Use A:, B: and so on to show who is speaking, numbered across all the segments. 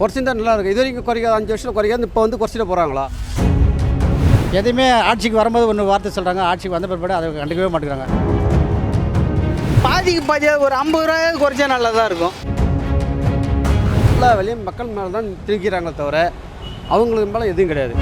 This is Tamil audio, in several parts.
A: குறைச்சிருந்தா நல்லா இருக்கும். இது வரைக்கும் குறைக்காது, 5 வருஷம் குறைக்காது, இப்போ வந்து குறைச்சிட்டு போகிறாங்களா?
B: எதுவுமே ஆட்சிக்கு வரும்போது ஒன்று வார்த்தை சொல்கிறாங்க, ஆட்சிக்கு வந்த பிற்பாடு அதை கண்டுக்கவே மாட்டேங்கிறாங்க.
C: பாதிக்கு பாதியாக ஒரு 50 ரூபாய் குறைச்சா நல்லா தான் இருக்கும்.
A: எல்லா வேலையும் மக்கள் மேலே தான் திணிக்கிறாங்களே தவிர அவங்களுக்கு மேலே எதுவும் கிடையாது.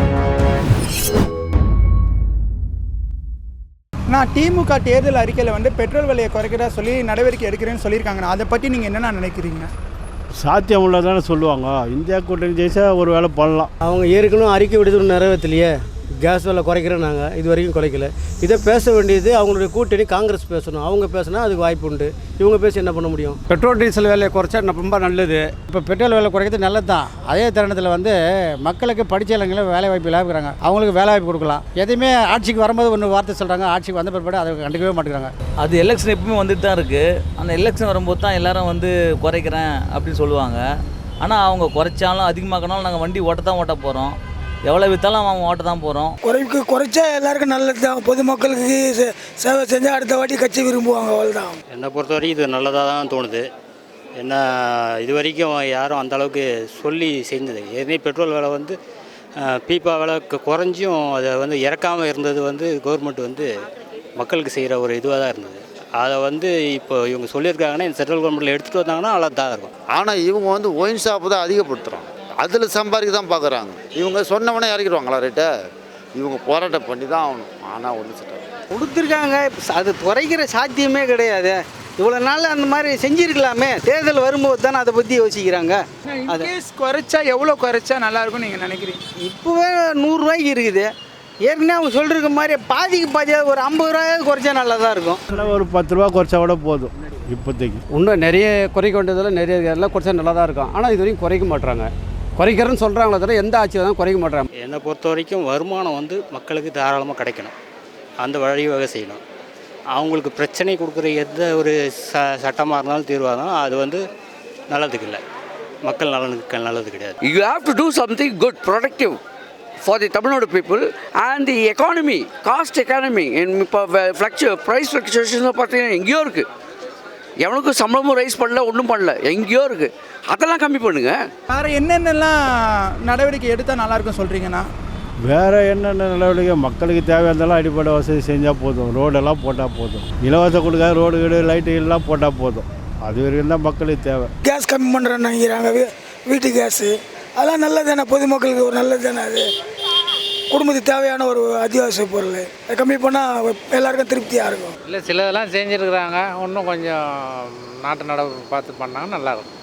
D: நான் திமுக தேர்தல் அறிக்கையில் வந்து பெட்ரோல் விலையை குறைக்கிறதா சொல்லி நடவடிக்கை எடுக்கிறேன்னு சொல்லியிருக்காங்க. அதை பற்றி நீங்கள் என்னென்ன நினைக்கிறீங்க?
E: சாத்தியம் உள்ளதானே சொல்லுவாங்க. இந்தியா கூட்டணி ஜெயிச்சா ஒரு வேலை பண்ணலாம்.
F: அவங்க ஏற்கனவே அறிக்கை விடுதல் நிறைவேற்றலையே, கேஸ் விலை குறைக்கிறோம். நாங்கள் இது வரைக்கும் குறைக்கல. இதை பேச வேண்டியது அவங்களுடைய கூட்டணி காங்கிரஸ் பேசணும். அவங்க பேசினா அதுக்கு வாய்ப்பு உண்டு. இவங்க பேசி என்ன பண்ண முடியும்?
A: பெட்ரோல் டீசல் விலையை குறைச்சா ரொம்ப நல்லது.
B: இப்போ பெட்ரோல் விலை குறைக்கிறது நல்லது தான். அதே தருணத்தில் வந்து மக்களுக்கு படித்த இளைஞர்களும் வேலை வாய்ப்பு இல்லாமல் இருக்கிறாங்க. அவங்களுக்கு வேலை வாய்ப்பு கொடுக்கலாம். எதுவுமே ஆட்சிக்கு வரும்போது ஒன்று வார்த்தை சொல்கிறாங்க, ஆட்சிக்கு வந்த பிற்பாடு அதை கண்டுக்கவே மாட்டேங்கிறாங்க.
G: அது எலெக்ஷன் எப்பவுமே வந்துட்டு தான் இருக்குது. அந்த எலெக்ஷன் வரும்போது தான் எல்லாரும் வந்து குறைக்கிறேன் அப்படின்னு சொல்லுவாங்க. ஆனால் அவங்க குறைச்சாலும் அதிகமாக்கினாலும் நாங்கள் வண்டி ஓட்ட போகிறோம். எவ்வளோ விற்றாலும் அவன் ஓட்ட தான் போகிறோம்.
C: குறைச்சா எல்லாருக்கும் நல்லது தான். பொதுமக்களுக்கு சேவை செஞ்சால் அடுத்த வாட்டி கட்சி விரும்புவாங்க. அவ்வளோதான்.
H: என்னை பொறுத்தவரைக்கும் இது நல்லதாக தான் தோணுது. என்ன இது வரைக்கும் யாரும் அந்த அளவுக்கு சொல்லி செஞ்சது. ஏற்கனவே பெட்ரோல் விலை வந்து பீப்பா விலை குறைஞ்சும் அதை வந்து இறக்காமல் இருந்தது வந்து கவர்மெண்ட் வந்து மக்களுக்கு செய்கிற ஒரு இதுவாக தான் இருந்தது. அதை வந்து இப்போ இவங்க சொல்லியிருக்காங்கன்னா இந்த சென்ட்ரல் கவர்மெண்ட்டில் எடுத்துகிட்டு வந்தாங்கன்னா நல்லா தான் இருக்கும்.
I: ஆனால் இவங்க வந்து ஒயின் ஷாப்பு தான் அதிகப்படுத்துகிறோம். அதில் சம்பாதிக்க தான் பார்க்குறாங்க. இவங்க சொன்னவனே இறக்கிடுவாங்களா ரேட்டை? இவங்க போராட்டம் பண்ணி தான் ஆகணும். ஆனால் ஒன்று சொல்கிறாங்க
C: கொடுத்துருக்காங்க. அது குறைக்கிற சாத்தியமே கிடையாது. இவ்வளோ நாள் அந்த மாதிரி செஞ்சுருக்கலாமே. தேர்தல் வரும்போது தானே அதை பற்றி யோசிக்கிறாங்க.
D: அது குறைச்சா எவ்வளோ குறைச்சா நல்லாயிருக்கும்னு நீங்கள் நினைக்கிறீங்க?
C: இப்போவே 100 ரூபாய்க்கு இருக்குது. ஏற்கனவே அவங்க சொல்கிற மாதிரி பாதிக்கு பாதியாக ஒரு 50 ரூபாய் குறைச்சா நல்லா தான் இருக்கும்.
E: ஒரு 10 ரூபா குறைச்சா கூட போதும். இப்போதைக்கு
A: இன்னும் நிறைய குறைக்க வேண்டியதில் நிறைய எல்லாம் குறைச்சா நல்லா தான் இருக்கும். ஆனால் இது வரைக்கும் குறைக்க மாட்டுறாங்க. குறைக்கிறேன்னு சொல்கிறாங்களே தவிர எந்த ஆட்சி தான் குறைக்க மாட்டாங்க.
H: என்னை பொறுத்த வரைக்கும் வருமானம் வந்து மக்களுக்கு தாராளமாக கிடைக்கணும். அந்த வழிவகை செய்யணும். அவங்களுக்கு பிரச்சனை கொடுக்குற எந்த ஒரு சட்டமாக இருந்தாலும் தீர்வாக இருந்தாலும் அது வந்து நல்லதுக்கு இல்லை, மக்கள் நலனுக்கு நல்லது கிடையாது.
J: You have to do something good, productive for the Tamil Nadu people and the economy, cost economy. இப்போ ப்ரைஸ் ஃப்ளக்சுவேஷன் பார்த்தீங்கன்னா எங்கேயோ இருக்குது. எவனுக்கும் சம்பளமும் ரைஸ் பண்ணல, ஒன்றும் பண்ணல, எங்கேயோ இருக்குது. அதெல்லாம் கம்மி பண்ணுங்க.
D: வேறு என்னென்னலாம் நடவடிக்கை எடுத்தால் நல்லாயிருக்கும் சொல்கிறீங்கன்னா?
E: வேறு என்னென்ன நடவடிக்கை? மக்களுக்கு தேவையானதெல்லாம் அடிப்படை வசதி செஞ்சால் போதும். ரோடெல்லாம் போட்டால் போதும். இலவச கொடுக்காத ரோடு வீடு லைட்டு எல்லாம் போட்டால் போதும். அது வரைக்கும் தான் மக்களுக்கு தேவை.
C: கேஸ் கம்மி பண்ணுறேன்னு நினைக்கிறாங்க. வீட்டு கேஸு அதெல்லாம் நல்லது தானே. பொதுமக்களுக்கு ஒரு நல்லது தானே. அது குடும்பத்துக்கு தேவையான ஒரு அத்தியாவசிய பொருள். அதை கம்மி பண்ணால் எல்லாருக்கும் திருப்தியாக இருக்கும்.
B: இல்லை சிலதெல்லாம் செஞ்சுருக்குறாங்க. இன்னும் கொஞ்சம் நாட்டு நடப்பு பார்த்து பண்ணாங்கன்னா நல்லாயிருக்கும்.